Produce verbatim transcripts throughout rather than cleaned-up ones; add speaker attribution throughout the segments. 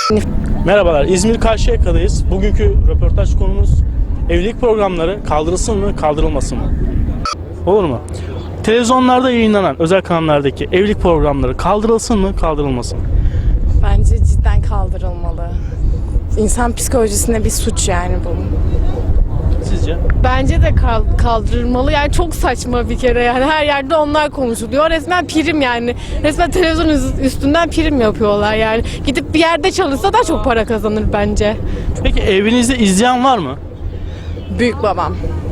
Speaker 1: Merhabalar, İzmir Karşıyaka'dayız. Bugünkü röportaj konumuz evlilik programları kaldırılsın mı, kaldırılmasın mı? Olur mu? Televizyonlarda yayınlanan özel kanallardaki evlilik programları kaldırılsın mı, kaldırılmasın mı?
Speaker 2: Bence cidden kaldırılmalı. İnsan psikolojisine bir suç yani bu.
Speaker 1: Sizce?
Speaker 3: Bence de kal- kaldırılmalı. Yani çok saçma bir kere yani her yerde onlar konuşuluyor. Resmen prim yani. Resmen televizyon üz- üstünden prim yapıyorlar yani. Gidip bir yerde çalışsa daha çok para kazanır bence.
Speaker 1: Peki evinizde izleyen var mı?
Speaker 2: Büyük babam.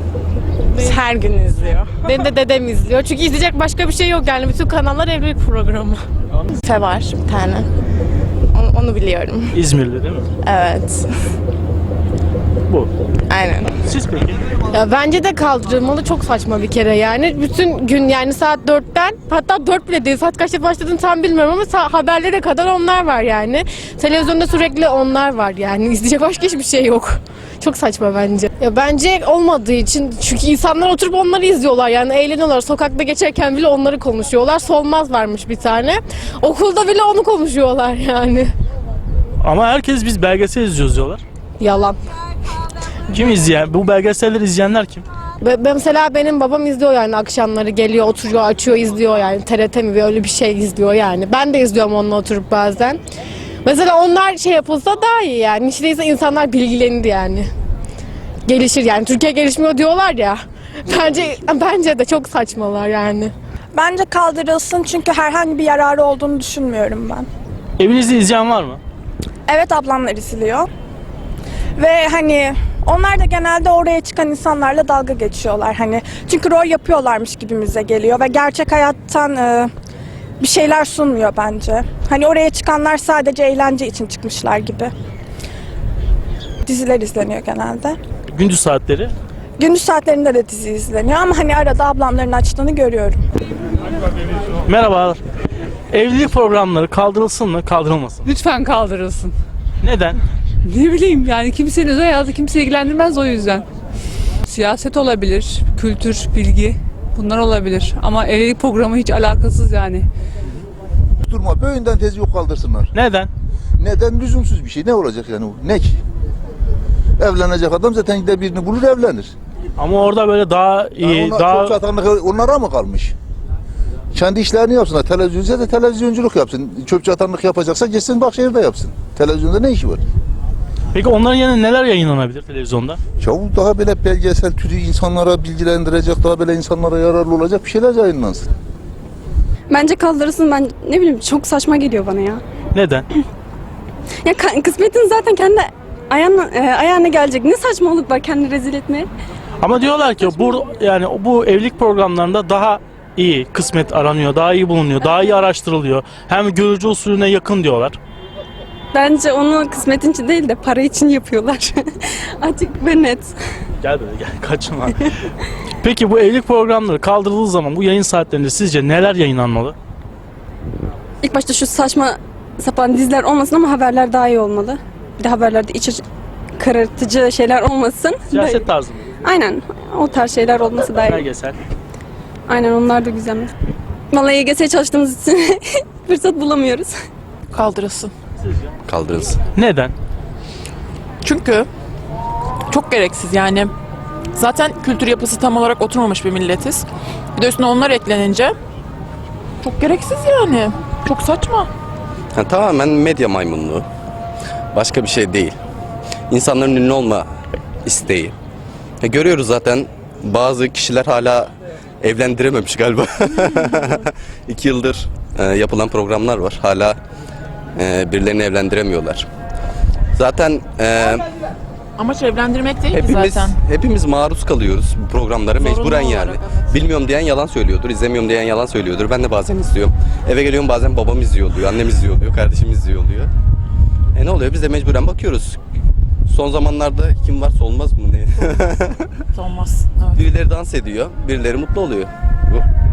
Speaker 2: Her gün izliyor.
Speaker 3: Benim de dedem izliyor. Çünkü izleyecek başka bir şey yok yani. Bütün kanallar evlilik programı.
Speaker 2: Fe var bir tane. Onu, onu biliyorum.
Speaker 1: İzmir'de değil mi?
Speaker 2: Evet.
Speaker 1: Bu.
Speaker 2: Aynen.
Speaker 1: Siz peki?
Speaker 3: Ya bence de kaldırılmalı, çok saçma bir kere yani. Bütün gün yani saat dörtten, hatta dört bile değil, saat kaçta başladığını tam bilmiyorum ama sa- haberlere kadar onlar var yani. Televizyonda sürekli onlar var yani. İzleyecek başka hiçbir şey yok. Çok saçma bence. Ya bence olmadığı için, çünkü insanlar oturup onları izliyorlar yani, eğleniyorlar. Sokakta geçerken bile onları konuşuyorlar. Solmaz varmış bir tane. Okulda bile onu konuşuyorlar yani.
Speaker 1: Ama herkes biz belgesel izliyoruz diyorlar.
Speaker 3: Yalan.
Speaker 1: Kim izleyen? Bu belgeselleri izleyenler kim?
Speaker 3: Ve mesela benim babam izliyor yani, akşamları geliyor, oturuyor, açıyor, izliyor yani. T R T mi öyle bir şey izliyor yani. Ben de izliyorum onunla oturup bazen. Mesela onlar şey yapılsa daha iyi yani. Hiç değilse insanlar bilgilenir yani. Gelişir yani. Türkiye gelişmiyor diyorlar ya. Bence bence de çok saçmalar yani.
Speaker 4: Bence kaldırılsın çünkü herhangi bir yararı olduğunu düşünmüyorum ben.
Speaker 1: Evinizde izleyen var mı?
Speaker 4: Evet, ablamlar izliyor. Ve hani onlar da genelde oraya çıkan insanlarla dalga geçiyorlar. Hani çünkü rol yapıyorlarmış gibimize geliyor ve gerçek hayattan e, bir şeyler sunmuyor bence. Hani oraya çıkanlar sadece eğlence için çıkmışlar gibi. Diziler izleniyor genelde.
Speaker 1: Gündüz saatleri.
Speaker 4: Gündüz saatlerinde de dizi izleniyor ama hani arada ablamların açtığını görüyorum.
Speaker 1: Merhabalar. Evlilik programları kaldırılsın mı, kaldırılmasın mı?
Speaker 5: Lütfen kaldırılsın.
Speaker 1: Neden?
Speaker 5: Ne bileyim yani, kimsenin özel hayatı kimse ilgilendirmez o yüzden. Siyaset olabilir, kültür, bilgi, bunlar olabilir. Ama evlilik programı hiç alakasız yani.
Speaker 6: Durma, böyünden tezi yok kaldırsınlar.
Speaker 1: Neden?
Speaker 6: Neden? Lüzumsuz bir şey. Ne olacak yani o? Ne ki? Evlenecek adam zaten gider birini bulur evlenir.
Speaker 1: Ama orada böyle daha iyi,
Speaker 6: Yani onlar,
Speaker 1: daha...
Speaker 6: Çok çatanlık onlara mı kalmış? Kendi işlerini yapsınlar. Televizyonda da televizyonculuk yapsın. Çöp çatanlık yapacaksa geçsin Bahçeşehir'de yapsın. Televizyonda ne işi var?
Speaker 1: Peki onların yerine neler yayınlanabilir televizyonda?
Speaker 6: Ya daha böyle belgesel türü insanlara bilgilendirecek, daha böyle insanlara yararlı olacak bir şeyler yayınlansın.
Speaker 7: Bence kaldırırsın, ben ne bileyim, çok saçma geliyor bana ya.
Speaker 1: Neden?
Speaker 7: Ya ka- kısmetin zaten kendi ayağına, e, ayağına gelecek. Ne saçmalık var kendini rezil etmeye.
Speaker 1: Ama diyorlar ki bu yani bu evlilik programlarında daha iyi kısmet aranıyor, daha iyi bulunuyor, daha iyi araştırılıyor. Hem görücü usulüne yakın diyorlar.
Speaker 7: Bence onu kısmetin için değil de para için yapıyorlar. Açık ve net.
Speaker 1: Gel böyle gel kaçma. Peki bu evlilik programları kaldırıldığı zaman bu yayın saatlerinde sizce neler yayınlanmalı?
Speaker 7: İlk başta şu saçma sapan diziler olmasın ama haberler daha iyi olmalı. Bir de haberlerde iç açı- karartıcı şeyler olmasın.
Speaker 1: Siyaset tarzı mı?
Speaker 7: Aynen. O tarz şeyler olması daha iyi.
Speaker 1: Belgesel.
Speaker 7: Aynen, onlar da güzel. Vallahi Y G S'ye çalıştığımız için fırsat bulamıyoruz.
Speaker 8: Kaldırılsın.
Speaker 9: Kaldırılsın.
Speaker 1: Neden?
Speaker 8: Çünkü çok gereksiz yani. Zaten kültür yapısı tam olarak oturmamış bir milletiz. Bir de üstüne onlar eklenince çok gereksiz yani. Çok saçma.
Speaker 9: Yani tamamen medya maymunluğu. Başka bir şey değil. İnsanların ünlü olma isteği. Ya görüyoruz zaten, bazı kişiler hala evlendirememiş galiba. İki yıldır e, yapılan programlar var. Hala e, birilerini evlendiremiyorlar. Zaten e,
Speaker 8: Amaç evlendirmek değil mi
Speaker 9: hepimiz
Speaker 8: zaten?
Speaker 9: hepimiz maruz kalıyoruz bu programlara
Speaker 8: Zorunlu
Speaker 9: mecburen yani.
Speaker 8: olarak, evet.
Speaker 9: Bilmiyorum diyen yalan söylüyordur, izlemiyorum diyen yalan söylüyordur. Ben de bazen izliyorum. Eve geliyorum, bazen babam izliyor oluyor, annem izliyor oluyor, kardeşim izliyor oluyor. E ne oluyor? Biz de mecburen bakıyoruz. Son zamanlarda kim varsa olmaz mı ne?
Speaker 8: Olmaz. Evet.
Speaker 9: Birileri dans ediyor, birileri mutlu oluyor. Bu.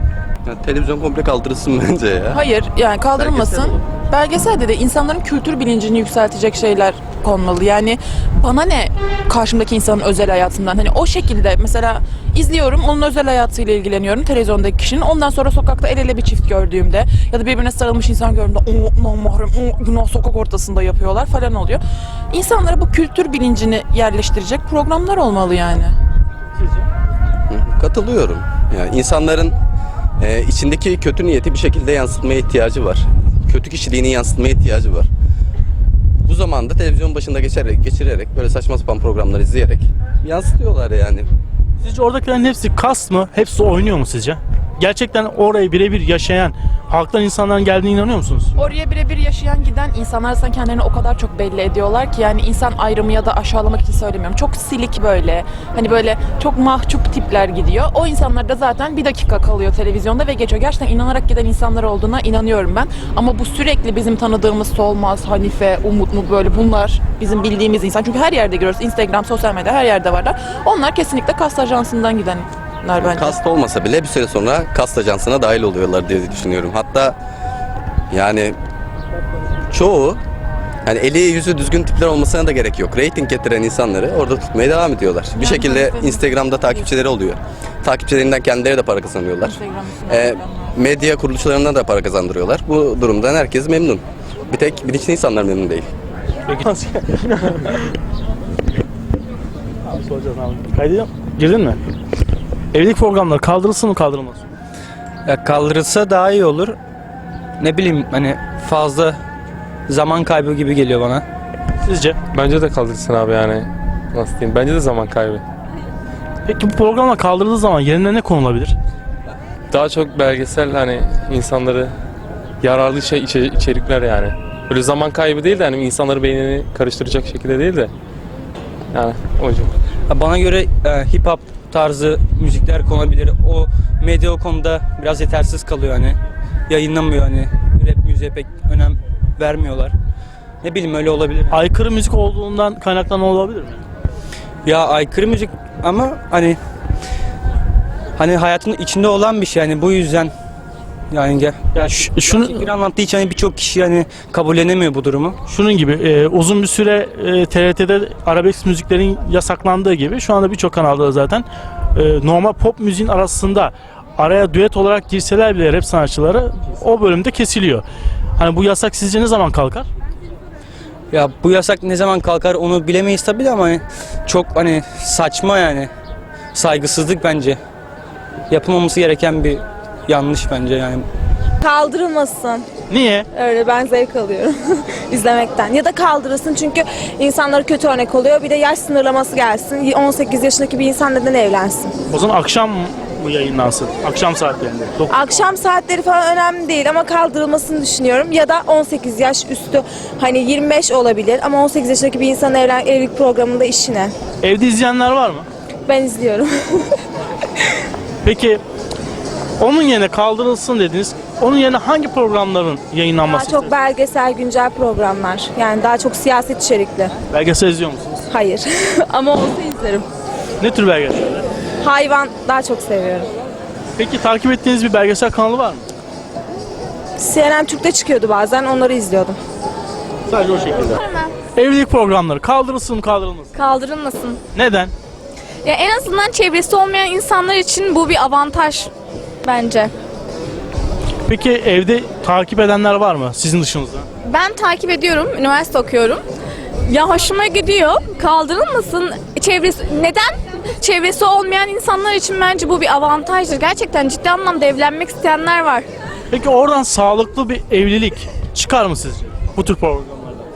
Speaker 9: Ya, televizyon komple kaldırılsın bence ya.
Speaker 8: Hayır yani kaldırılmasın. Belgeselde de insanların kültür bilincini yükseltecek şeyler konmalı. Yani bana ne karşımdaki insanın özel hayatından. Hani o şekilde mesela izliyorum, onun özel hayatıyla ilgileniyorum televizyondaki kişinin. Ondan sonra sokakta el ele bir çift gördüğümde ya da birbirine sarılmış insan gördüğümde o namahrem, o günah sokak ortasında yapıyorlar falan oluyor. İnsanlara bu kültür bilincini yerleştirecek programlar olmalı yani.
Speaker 9: Hı, katılıyorum. Yani insanların e, içindeki kötü niyeti bir şekilde yansıtmaya ihtiyacı var. Kötü kişiliğini yansıtmaya ihtiyacı var. Bu zamanda televizyon başında geçerek, geçirerek böyle saçma sapan programlar izleyerek yansıtıyorlar yani.
Speaker 1: Sizce oradakilerin hepsi kast mı? Hepsi oynuyor mu sizce? Gerçekten orayı birebir yaşayan halktan insanların geldiğine inanıyor musunuz?
Speaker 8: Oraya birebir yaşayan giden insanlar zaten kendilerini o kadar çok belli ediyorlar ki yani insan ayrımı ya da aşağılamak için söylemiyorum. Çok silik böyle hani böyle çok mahcup tipler gidiyor. O insanlar da zaten bir dakika kalıyor televizyonda ve geçiyor. Gerçekten inanarak giden insanlar olduğuna inanıyorum ben. Ama bu sürekli bizim tanıdığımız Solmaz, Hanife, Umut mu böyle bunlar bizim bildiğimiz insan. Çünkü her yerde görüyoruz. Instagram, sosyal medya her yerde varlar. Onlar kesinlikle kast ajansından giden. Bence.
Speaker 9: Kast olmasa bile bir süre sonra kast ajansına dahil oluyorlar diye düşünüyorum. Hatta yani çoğu yani eli yüzü düzgün tipler olmasına da gerek yok. Rating getiren insanları orada tutmaya devam ediyorlar. Bir şekilde Instagram'da takipçileri oluyor. Takipçilerinden kendileri de para kazanıyorlar. E, medya kuruluşlarından da para kazandırıyorlar. Bu durumdan herkes memnun. Bir tek bilinçli insanlar memnun değil.
Speaker 1: Peki. Abi soracağız abi. Kaydediyor. Girdin mi? Evlilik programları kaldırılsın mı kaldırılmasın mı?
Speaker 10: Ya kaldırılsa daha iyi olur. Ne bileyim hani fazla zaman kaybı gibi geliyor bana.
Speaker 1: Sizce?
Speaker 11: Bence de kaldırılsın abi yani. Nasıl diyeyim? Bence de zaman kaybı.
Speaker 1: Peki bu programlar kaldırıldığı zaman yerine ne konulabilir?
Speaker 11: Daha çok belgesel hani insanları yararlı şey içe- içerikler yani. Böyle zaman kaybı değil de hani insanları beynini karıştıracak şekilde değil de yani o yüzden.
Speaker 10: Ya bana göre e, hip hop tarzı müzikler konabilir. O medya o konuda biraz yetersiz kalıyor hani. Yayınlamıyor hani. Rap müziğe pek önem vermiyorlar. Ne bileyim öyle olabilir.
Speaker 1: Aykırı müzik olduğundan kaynaklanan olabilir mi?
Speaker 10: Ya aykırı müzik ama hani hani hayatın içinde olan bir şey yani bu yüzden yani gel.
Speaker 1: Ya ş- şunu
Speaker 10: Bir anlattığı için hani birçok kişi hani kabullenemiyor bu durumu.
Speaker 1: şunun gibi e, uzun bir süre e, T R T'de arabesk müziklerin yasaklandığı gibi şu anda birçok kanalda da zaten e, normal pop müziğin arasında araya düet olarak girseler bile rap sanatçıları o bölümde kesiliyor. Hani bu yasak sizce ne zaman kalkar?
Speaker 10: Ya bu yasak ne zaman kalkar onu bilemeyiz tabii de ama hani çok hani saçma yani. Saygısızlık bence. Yapılmaması gereken bir yanlış bence yani.
Speaker 4: Kaldırılmasın.
Speaker 1: Niye?
Speaker 4: Öyle ben zevk alıyorum izlemekten. Ya da kaldırılsın çünkü insanlara kötü örnek oluyor. Bir de yaş sınırlaması gelsin. on sekiz yaşındaki bir insan neden evlensin?
Speaker 1: O zaman akşam mı yayınlansın? Akşam saatlerinde. Dokuz-
Speaker 4: Akşam saatleri falan önemli değil ama kaldırılmasını düşünüyorum. Ya da on sekiz yaş üstü hani yirmi beş olabilir ama on sekiz yaşındaki bir insanın evlen evlilik programında işi ne?
Speaker 1: Evde izleyenler var mı?
Speaker 4: Ben izliyorum.
Speaker 1: Peki onun yerine kaldırılsın dediniz. Onun yerine hangi programların
Speaker 4: Daha
Speaker 1: yayınlanması
Speaker 4: çok
Speaker 1: istersiniz?
Speaker 4: belgesel güncel programlar. Yani daha çok siyaset içerikli.
Speaker 1: Belgesel izliyor musunuz?
Speaker 4: Hayır. ama olsa izlerim.
Speaker 1: Ne tür belgeseller?
Speaker 4: Hayvan daha çok seviyorum.
Speaker 1: Peki takip ettiğiniz bir belgesel kanalı var mı?
Speaker 4: C N N Türk'te çıkıyordu bazen onları izliyordum.
Speaker 1: Sadece o şekilde. Evlilik programları kaldırılsın mı kaldırılmasın mı?
Speaker 12: Kaldırılmasın.
Speaker 1: Neden?
Speaker 12: Ya en azından çevresi olmayan insanlar için bu bir avantaj bence.
Speaker 1: Peki evde takip edenler var mı sizin dışınızda?
Speaker 12: Ben takip ediyorum, üniversite okuyorum. Ya hoşuma gidiyor. Kaldırılmasın. Çevresi neden? Çevresi olmayan insanlar için bence bu bir avantajdır. Gerçekten ciddi anlamda evlenmek isteyenler var.
Speaker 1: Peki oradan sağlıklı bir evlilik çıkar mı sizce bu tür programlarda?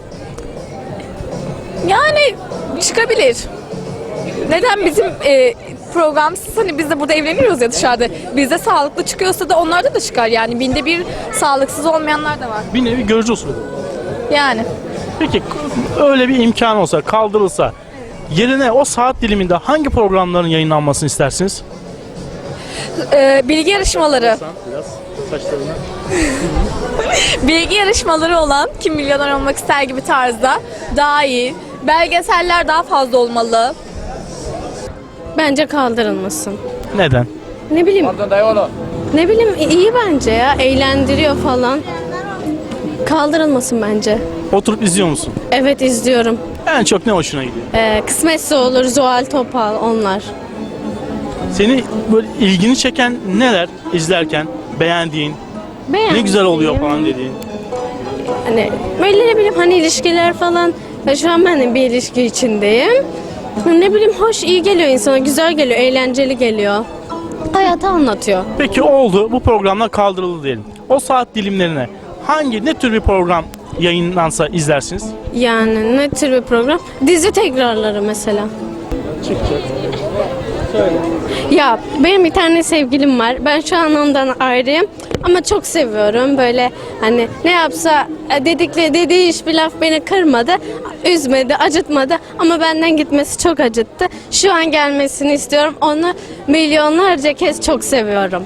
Speaker 12: Yani çıkabilir. Neden bizim e, programsız hani biz de burada evleniyoruz ya dışarıda. Bizde sağlıklı çıkıyorsa da onlarda da çıkar yani. Binde bir sağlıksız olmayanlar da var.
Speaker 1: Bir nevi görücü usulü.
Speaker 12: Yani.
Speaker 1: Peki öyle bir imkan olsa kaldırılsa yerine o saat diliminde hangi programların yayınlanmasını istersiniz?
Speaker 12: E, bilgi yarışmaları.
Speaker 1: Biraz saçlarına.
Speaker 12: Bilgi yarışmaları olan Kim Milyoner Olmak ister gibi tarzda daha iyi. Belgeseller daha fazla olmalı.
Speaker 3: Bence kaldırılmasın.
Speaker 1: Neden?
Speaker 3: Ne bileyim. Ne bileyim iyi bence ya. Eğlendiriyor falan. Kaldırılmasın bence.
Speaker 1: Oturup izliyor musun?
Speaker 3: Evet izliyorum.
Speaker 1: En çok ne hoşuna gidiyor?
Speaker 3: Ee, Kısmetse Olur, Zuhal Topal onlar.
Speaker 1: Seni böyle ilgini çeken neler izlerken beğendiğin, ne
Speaker 3: Beğendim.
Speaker 1: güzel oluyor falan dediğin?
Speaker 3: Hani böyle ne bileyim hani ilişkiler falan. Ya şu an ben de bir ilişki içindeyim. Ne bileyim hoş, iyi geliyor insana, güzel geliyor, eğlenceli geliyor. Hayatı anlatıyor.
Speaker 1: Peki oldu, bu programlar kaldırıldı diyelim. O saat dilimlerine hangi, ne tür bir program yayınlansa izlersiniz?
Speaker 3: Yani ne tür bir program? Dizi tekrarları mesela.
Speaker 1: Çıkacak. Söyle.
Speaker 3: Ya benim bir tane sevgilim var. Ben şu an ondan ayrıyım. Ama çok seviyorum. Böyle hani ne yapsa dedikleri dediği hiçbir laf beni kırmadı. Üzmedi, acıtmadı. Ama benden gitmesi çok acıttı. Şu an gelmesini istiyorum. Onu milyonlarca kez çok seviyorum.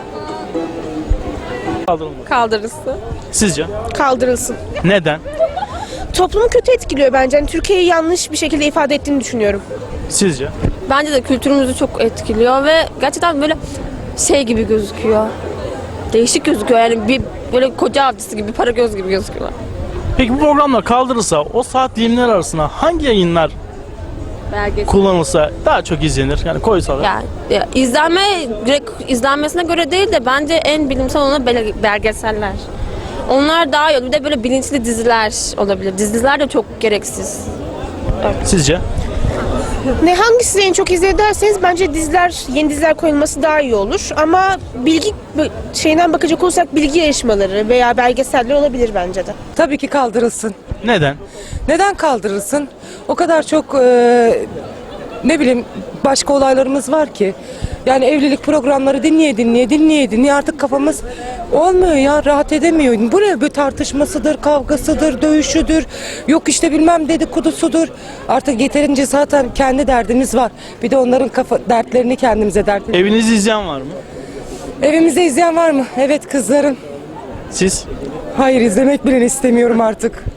Speaker 1: Kaldırılmadı.
Speaker 2: Kaldırılsın.
Speaker 1: Sizce?
Speaker 13: Kaldırılsın.
Speaker 1: Neden?
Speaker 13: Toplumu kötü etkiliyor bence. Yani Türkiye'yi yanlış bir şekilde ifade ettiğini düşünüyorum.
Speaker 1: Sizce?
Speaker 7: Bence de kültürümüzü çok etkiliyor ve gerçekten böyle şey gibi gözüküyor. Değişik gözüküyor yani bir böyle koca avcısı gibi, para göz gibi gözüküyorlar.
Speaker 1: Peki bu programlar kaldırılsa o saat dilimler arasında hangi yayınlar
Speaker 7: Belgesel.
Speaker 1: kullanılsa daha çok izlenir? Yani koysalar.
Speaker 7: Yani ya, izlenme direkt izlenmesine göre değil de bence en bilimsel olan bel- belgeseller. Onlar daha iyi. Bir de böyle bilinçli diziler olabilir. Diziler de çok gereksiz.
Speaker 1: Sizce?
Speaker 13: Ne hangisi en çok izledi derseniz bence diziler, yeni diziler koyulması daha iyi olur. Ama bilgi şeyden bakacak olursak bilgi yarışmaları veya belgeseller olabilir bence de.
Speaker 14: Tabii ki kaldırılsın.
Speaker 1: Neden?
Speaker 14: Neden kaldırılsın? O kadar çok e, ne bileyim başka olaylarımız var ki. Yani evlilik programları dinleye dinleye dinleye dinleye artık kafamız olmuyor ya, rahat edemiyor. Bu ne, bir tartışmasıdır, kavgasıdır, dövüşüdür, yok işte bilmem dedikodusudur. Artık yeterince zaten kendi derdimiz var. Bir de onların kafa dertlerini kendimize dert ediyoruz.
Speaker 1: Evinizi izleyen var mı?
Speaker 14: Evimizde izleyen var mı? Evet, kızlarım.
Speaker 1: Siz?
Speaker 14: Hayır, izlemek bile istemiyorum artık.